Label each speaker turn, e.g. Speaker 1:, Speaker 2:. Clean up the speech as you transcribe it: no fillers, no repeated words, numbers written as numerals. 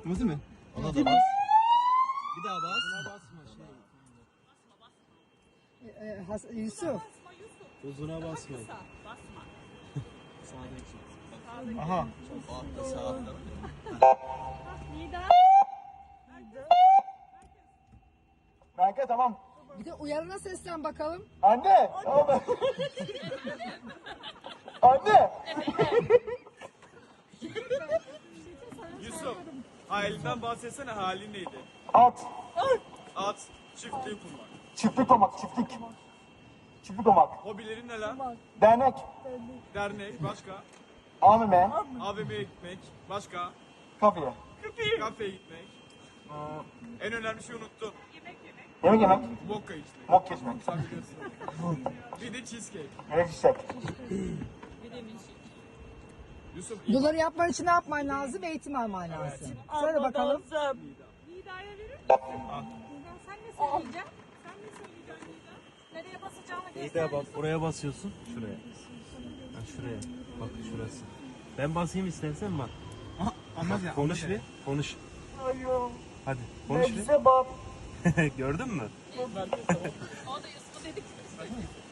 Speaker 1: Nasıl mı?
Speaker 2: Ona da bas. Bir daha bas.
Speaker 3: Yusuf.
Speaker 2: Uzuna basma.
Speaker 1: Aha.
Speaker 2: O altta sağ altta.
Speaker 1: Kanka tamam.
Speaker 3: Bir de uyarına seslen bakalım.
Speaker 1: Anne. Tamam. Anne.
Speaker 4: Yusuf, halinden bahsetsene, halin neydi?
Speaker 1: At.
Speaker 4: At, çiftliği kurmak.
Speaker 1: Çiftlik olmak. Çiftlik. Çiftlik olmak.
Speaker 4: Hobilerin ne lan?
Speaker 1: Dernek.
Speaker 4: Dernek, başka?
Speaker 1: AVM.
Speaker 4: AVM'ye gitmek, başka?
Speaker 1: Kafeye.
Speaker 4: Kafeye gitmek. En önemli şeyi unuttun.
Speaker 1: Yemek yemek.
Speaker 4: Vodka içmek.
Speaker 1: Mok geçmek.
Speaker 4: Sen biliyorsun. Bir de cheesecake.
Speaker 1: Melek çiçek.
Speaker 4: Yusuf,
Speaker 3: Bunları yapman için ne yapman lazım? Eğitim alman lazım. Söyle bakalım.
Speaker 5: Nida'ya verir misin? Nida sen ne söyleyeceksin? Sen ne söyleyeceksin Nida? Nereye basacağını göster.
Speaker 2: Nida bak buraya basıyorsun. Şuraya. Ha, şuraya. Bak şurası. Ben basayım istersen bak.
Speaker 1: Anlat ya.
Speaker 2: Konuş bir. Konuş.
Speaker 1: Ayım.
Speaker 2: Hadi konuş bir.
Speaker 1: Bize bak.
Speaker 2: Gördün mü?
Speaker 5: O da Yusuf'a dedik.